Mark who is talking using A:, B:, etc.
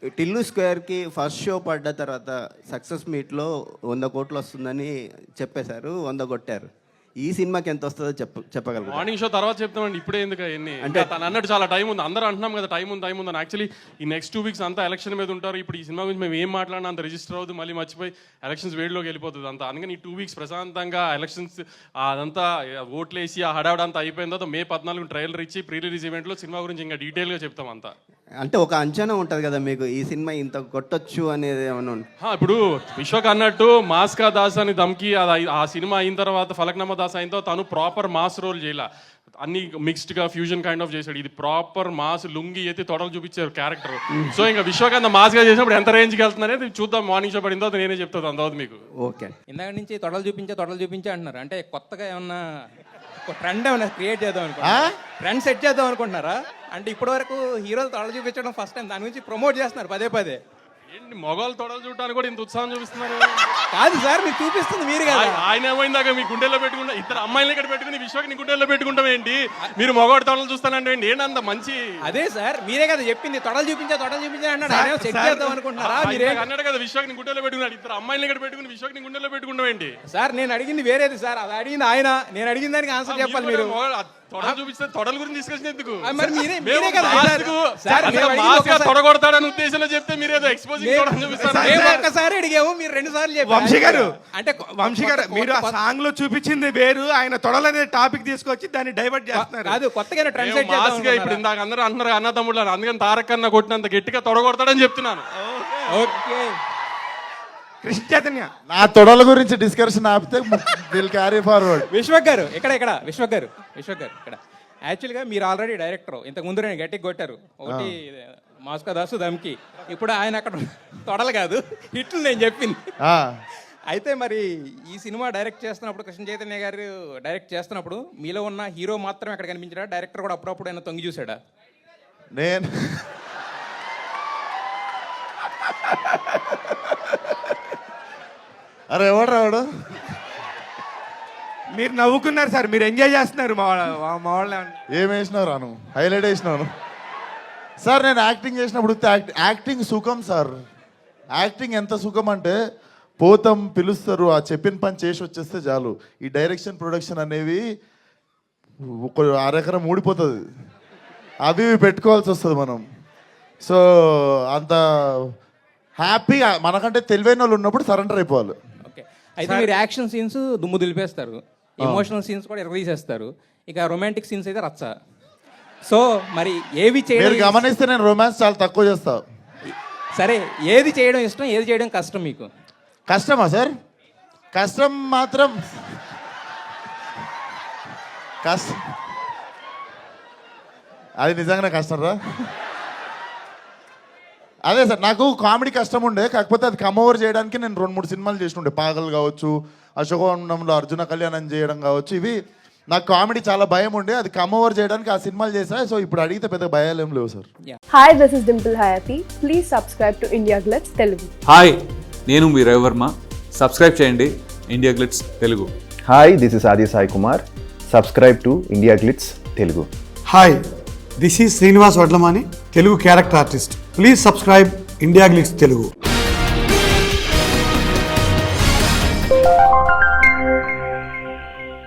A: Tillu స్క్వేర్కి first show పడ్డ తర్వాత success మీట్లో 100 కోట్లు వస్తుందని చెప్పేశారు, 100 కొట్టారు. ఈ సినిమాకి ఎంత వస్తుందో చెప్పగలరు?
B: మార్నింగ్ షో తర్వాత చెప్తామండి, ఇప్పుడే ఎందుకు అవన్నీ అంటే తను అన్నట్టు చాలా టైం ఉంది, అందరూ అంటున్నాం కదా టైం ఉంది అని. యాక్చువల్లీ ఈ నెక్స్ట్ 2 వీక్స్ అంతా ఎలక్షన్ మీద ఉంటారు. ఇప్పుడు ఈ సినిమా గురించి మేము ఏం మాట్లాడినా అంత రిజిస్టర్ అవుతుంది, మళ్ళీ మర్చిపోయి ఎలక్షన్స్ వేడిలోకి వెళ్ళిపోతుంది అంతా. అందుకని ఈ 2 వీక్స్ ప్రశాంతంగా ఎలక్షన్స్ అదంతా ఓట్లేసి ఆ హడావిడ అంతా అయిపోయిన తర్వాత May 14 ట్రైలర్ ఇచ్చి ప్రీ రిలీజ్ ఈవెంట్లో సినిమా గురించి ఇంకా డీటెయిల్గా చెప్తాం అంతా.
A: అంటే ఒక అంచనా ఉంటుంది కదా మీకు, ఈ సినిమా ఇంత కొట్టొచ్చు అనేది ఏమన్నా?
B: ఇప్పుడు విశ్వక్ అన్నట్టు మాస్కా దాస్ అని దమ్కి ఆ సినిమా అయిన తర్వాత ఫలక్నామా దాస్ అయిన తర్వాత తను ప్రాపర్ మాస్ రోల్ చేయాల, అన్ని మిక్స్డ్గా ఫ్యూజన్ కైండ్ ఆఫ్ చేశాడు. ఇది ప్రాపర్ మాస్, లుంగి ఎత్తి తొడలు చూపించారు క్యారెక్టర్. సో ఇంకా విశ్వకాంత్ మాస్గా చేసినప్పుడు ఎంత రేంజ్కి వెళ్తుందనేది చూద్దాం. మార్నింగ్ షో పడిన తర్వాత నేనే చెప్తాను అంతవరకు మీకు.
A: ఓకే,
C: ఇందాక నుంచి తొడలు చూపించే అంటున్నారు. అంటే కొత్తగా ఏమన్నా ట్రెండ్ ఏమన్నా క్రియేట్ చేద్దాం అనుకుంటున్నారా? ట్రెండ్ సెట్ చేద్దాం అనుకుంటున్నారా? అంటే ఇప్పటి వరకు హీరోలు తొడలు చూపించడం ఫస్ట్ టైం, దాని గురించి ప్రమోట్ చేస్తున్నారు పదే.
B: ఏంటి మొగోళ్ళు తొడలు చూడటానికి కూడా ఇంత ఉత్సాహం చూపిస్తున్నారు?
C: కాదు సార్, మీకు చూపిస్తుంది మీరు కదా.
B: ఆయన ఏమైందాక మీ గుండెల్లో పెట్టుకుంటా, ఇద్దరు అమ్మాయిలు ఇక్కడ పెట్టుకుని విశ్వకి నీ గుండెల్లో పెట్టుకుంటాం ఏంటి? మీరు మొగోడు తొడలు చూస్తానంటే ఏంటంత మంచి?
C: అదే సార్, మీరే కదా చెప్పింది తొడలు చూపించా అన్నాడు. చెక్ చేద్దాం అనుకుంటున్నారా? మీరే
B: అన్నాడు కదా విశ్వకి నీ గుండెల్లో పెట్టుకున్నాడు, ఇద్దరు అమ్మాయిలు ఇక్కడ పెట్టుకుని విశ్వకి నీ గుండెల్లో పెట్టుకుంటాం ఏంటి?
C: సార్ నేను అడిగింది వేరేది సార్, అది అడిగింది ఆయన, నేను అడిగిన దానికి ఆన్సర్ చెప్పాలి మీరు.
B: తొడలు చూపిస్తే తొడల గురించి డిస్కషన్ ఎందుకు? తొడగొడతాడని ఉద్దేశంలో చెప్తే మీరేదో ఎక్స్పోజింగ్ చూపిస్తారు.
C: ఒక్కసారి అడిగాము, మీరు 2 సార్లు చెప్పారు.
D: వంశీ గారు మీరు ఆ సాంగ్ లో చూపించింది వేరు, ఆయన తొడలనే టాపిక్ తీసుకొచ్చి దాన్ని డైవర్ట్ చేస్తున్నారు.
C: అది కొత్తగా ట్రెండ్ సెట్
B: చేద్దాం. ఇప్పుడు ఇందాక అందరూ అంటున్నారు అన్న తమ్ముళ్ళు, అందుకని తారక్ అన్న కొట్టినంత గట్టిగా తొడగొడతాడని చెప్తున్నాను.
C: ఓకే
D: కృష్ణ చైతన్య,
E: నా తొడల గురించి డిస్కషన్ ఆపితే విల్ క్యారీ ఫార్వర్డ్.
C: విశ్వక్ గారు విశ్వక్ గారు ఇక్కడ యాక్చువల్గా మీరు ఆల్రెడీ డైరెక్టర్, ఇంతకు ముందు నేను గట్టికి కొట్టారు ఒకటి మాస్కా దాసు దమ్కి. ఇప్పుడు ఆయన అక్కడ తొడలు కాదు హిట్లు నేను చెప్పింది. అయితే మరి ఈ సినిమా డైరెక్ట్ చేస్తున్నప్పుడు, కృష్ణ చైతన్య గారు డైరెక్ట్ చేస్తున్నప్పుడు మీలో ఉన్న హీరో మాత్రం ఎక్కడ కనిపించాడా? డైరెక్టర్ కూడా అప్పుడప్పుడు ఆయన తొంగి చూసాడా?
E: నేను అరే ఎవడు రావడు,
D: మీరు నవ్వుకున్నారు సార్, మీరు ఎంజాయ్ చేస్తున్నారు. మా వాళ్ళు
E: ఏం వేసినావు రాను, హైలైట్ వేసినాను సార్. నేను యాక్టింగ్ చేసినప్పుడు యాక్టింగ్ సుఖం సార్. యాక్టింగ్ ఎంత సుఖం అంటే పోతాం, పిలుస్తారు, ఆ చెప్పిన పని చేసి వచ్చేస్తే చాలు. ఈ డైరెక్షన్ ప్రొడక్షన్ అనేవి ఒక అరెకరం ఊడిపోతుంది, అవి పెట్టుకోవాల్సి వస్తుంది మనం. సో అంత హ్యాపీగా మనకంటే తెలివైన వాళ్ళు ఉన్నప్పుడు సరెండర్ అయిపోవాలి.
C: అయితే మీరు యాక్షన్ సీన్స్ దుమ్ము దులిపేస్తారు, ఎమోషనల్ సీన్స్ కూడా ఎరగదీసేస్తారు, ఇక రొమాంటిక్ సీన్స్ అయితే రచ్చ. సో మరి ఏవి చేయడం
E: గమనిస్తే నేను రొమాన్స్ చాలా తక్కువ చేస్తా.
C: సరే, ఏది చేయడం ఇష్టం, ఏది చేయడం కష్టం మీకు?
E: కష్టమా సార్? కష్టం మాత్రం అది నిజంగానే కష్టం రా. అదే సార్, నాకు కామెడీ కష్టం ఉండే, కాకపోతే అది కమ్ ఓవర్ చేయడానికి నేను 2-3 సినిమాలు చేస్తుండే. పాగల్ కావచ్చు, అశోకవనంలో అర్జున కళ్యాణం చేయడం కావచ్చు. ఇవి నాకు కామెడీ చాలా భయం ఉండే, అది కమ్ ఓవర్ చేయడానికి ఆ సినిమాలు చేసా. సో ఇప్పుడు అడిగితే పెద్ద భయాలు ఏం లేవు sir.
F: Hi, this is Dimple Hayathi. Please subscribe to India Glitz Telugu.
G: Hi, నేను మీ రవివర్మ. సబ్స్క్రైబ్ చేయండి India Glitz Telugu.
H: Hi, this is Aadi Sai Kumar. Subscribe to India Glitz Telugu.
I: Hi, this is Srinivas Vadlamani, Telugu character artist. Please subscribe India Glitz Telugu.